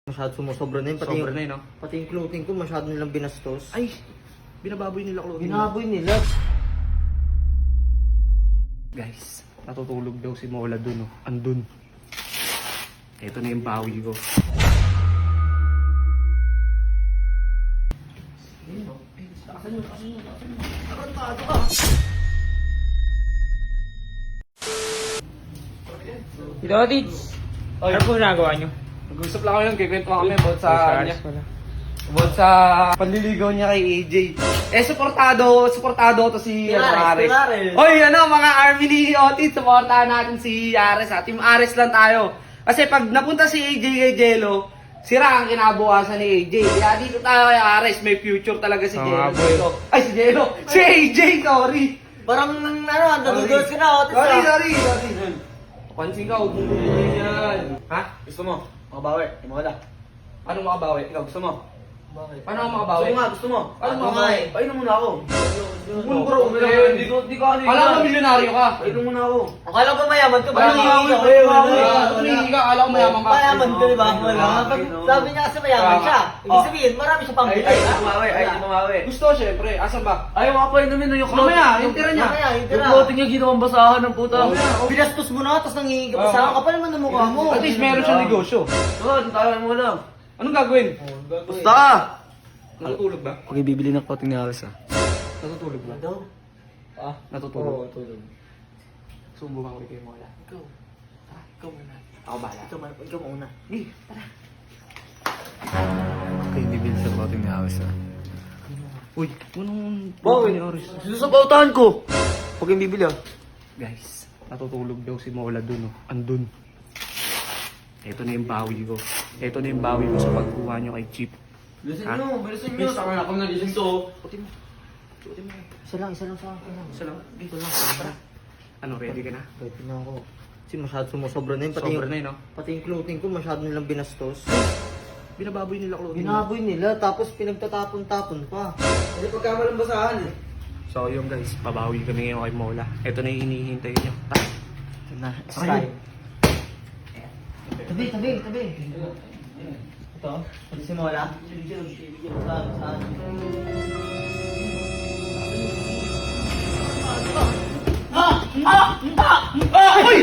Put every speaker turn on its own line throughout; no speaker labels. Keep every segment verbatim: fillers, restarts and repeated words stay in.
Masyado sumusobra na yun. Pati
Sobra
yung,
na yun, no?
pati yung clothing ko masyado nilang binastos.
Ay, binababoy nila clothing.
Binaboy nila.
Guys, natutulog daw si Mola dun, oh. Andun. Ito na yung bawi ko.
Tito Otits, ano po ginagawa nyo?
Nag-usap lang kami, kikwento kami about sa
Sa
niya.
alis pala.
About sa panliligaw niya kay A J. Eh, supportado, supportado to si
Ares,
Ares.
Team Ares.
Oy, ano, mga army ni Otis, supportahan natin si Ares, ha. Team Ares lang tayo. Kasi pag napunta si A J kay Jello, sira ang kinabukasan ni A J. Kaya dito tayo kay Ares, may future talaga si
Oo
Jello.
nga, boy.
dito. Ay, si Jello. Si A J, sorry.
Parang ano, nadudulas ka na. Otis,
Sorry,
ah.
sorry, sorry. Pansin ka, huwag mong bumili yan. Ha?
Gusto mo? Makabawi. Hindi mo wala.
Anong makabawi? Ikaw, gusto mo?
Bakit?
Paano ako makabawi?
Gusto mo nga, gusto mo.
Ano
Ano
makabawi?
nga? Painom muna ako.
Ulo bro,
Hindi ko, hindi ko ano yun.
Alam mo, milyonaryo ka.
Painom muna ako. Akala ko mayaman ka.
Wala
Bakit
ka,
hindi
wala
ako?
ka, tumingin ka, akala ko mayaman ka.
Mayaman ka, di ba? Wala. Pag sabi niya kasi mayaman siya. Ibig
Oh.
sabihin, marami siya pang
Ay,
bilay.
ay,
ah.
tumawi, ay,
Wala.
tumawi. Gusto, syempre. Asan ba?
Ayaw nga pa inumin yung
Mamaya, yung tira niya.
Mamaya, yung
Yung
tira.
clothing niya ginawang basahan ng puta.
Binastos mo na, tapos nangingi ka pa
Oo.
sa akin. Kapal naman ng mukha mo.
At least meron siyang negosyo.
Doon, tayo mo lang.
Anong gagawin?
Basta!
Natutulog ba?
Huwag ibibili ng clothing ni Aris ah.
Natutulog ba?
Daw?
Ah, natutulog.
tulog.
Subukan ko kay Mola.
Ikaw. Ah, ikaw muna.
Ako bahala.
Ikaw, man- ikaw muna.
Eh, tara.
Huwag ibibili sa clothing ni Aris ah.
Uy, anong...
Bakit?
ni Oris?
Sinusabautahan ko! Huwag yung bibili ah.
Guys, natutulog daw si Mola dun, oh. Andun. Ito na yung bawi ko. Ito na yung bawi ko sa pagkuha nyo kay Chip.
Bilisan
Ha?
nyo, bilisan nyo. Saka na ako nagising to.
Putin mo. Putin mo.
Isa lang, isa lang sa akin.
Isa lang.
Dito lang. Tara.
Ano, ready ka na?
Ready na ako. Kasi masyado sumusobra na yun. Pati
Sobra
yung,
na yun, no?
pati yung clothing ko masyado nilang binastos.
Binababoy nila clothing.
Binaboy nila, tapos pinagtatapon-tapon pa.
Hindi pagkamalang basahan eh.
So yun guys, pabawi kami ngayon kay Mola. Ito na yung hinihintay nyo. Tara.
Ito na,
Ayun.
style. Tabi, tabi, tabi. Ito, ito si Mola. Bibigyan, bibigyan mo sa saan.
Ay!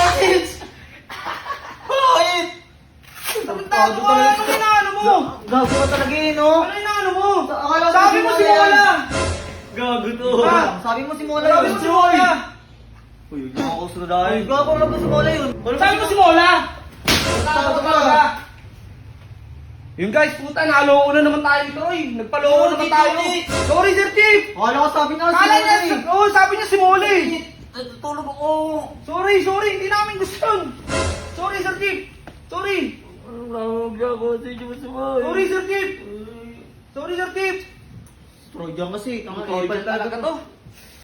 Bakit?
Tago ka! Ano yung inaano mo?
Gago ka talaga eh, no?
Ano yung inaano mo?
Akala ko
Sabi mo si Mola!
Gago to.
Ha?
Sabi mo si Mola
Sabi
yun.
mo si Mola!
Uy, nakakasunod dahil. Gago na ba si Mola yun?
Sabi mo si Mola!
Sabi
Tago
mo
ka!
Mola.
Yung guys, puta, naloko na naman tayo dito, Troy. Nagpaloko
Oh,
naman
Tito,
tayo.
Tito.
Sorry, Sir Chief!
Akala ko sabi niya si
Kala
Mola
niya,
eh.
oh, sabi niya si Mola eh.
Tulog ako.
Sorry, sorry, hindi namin gusto yun. Sorry, Sir Chief. Sorry.
Huwag ako sa inyo masama.
Sorry, Sir Chief. Sorry, Sir Chief.
Trojan kasi.
Troy talaga to.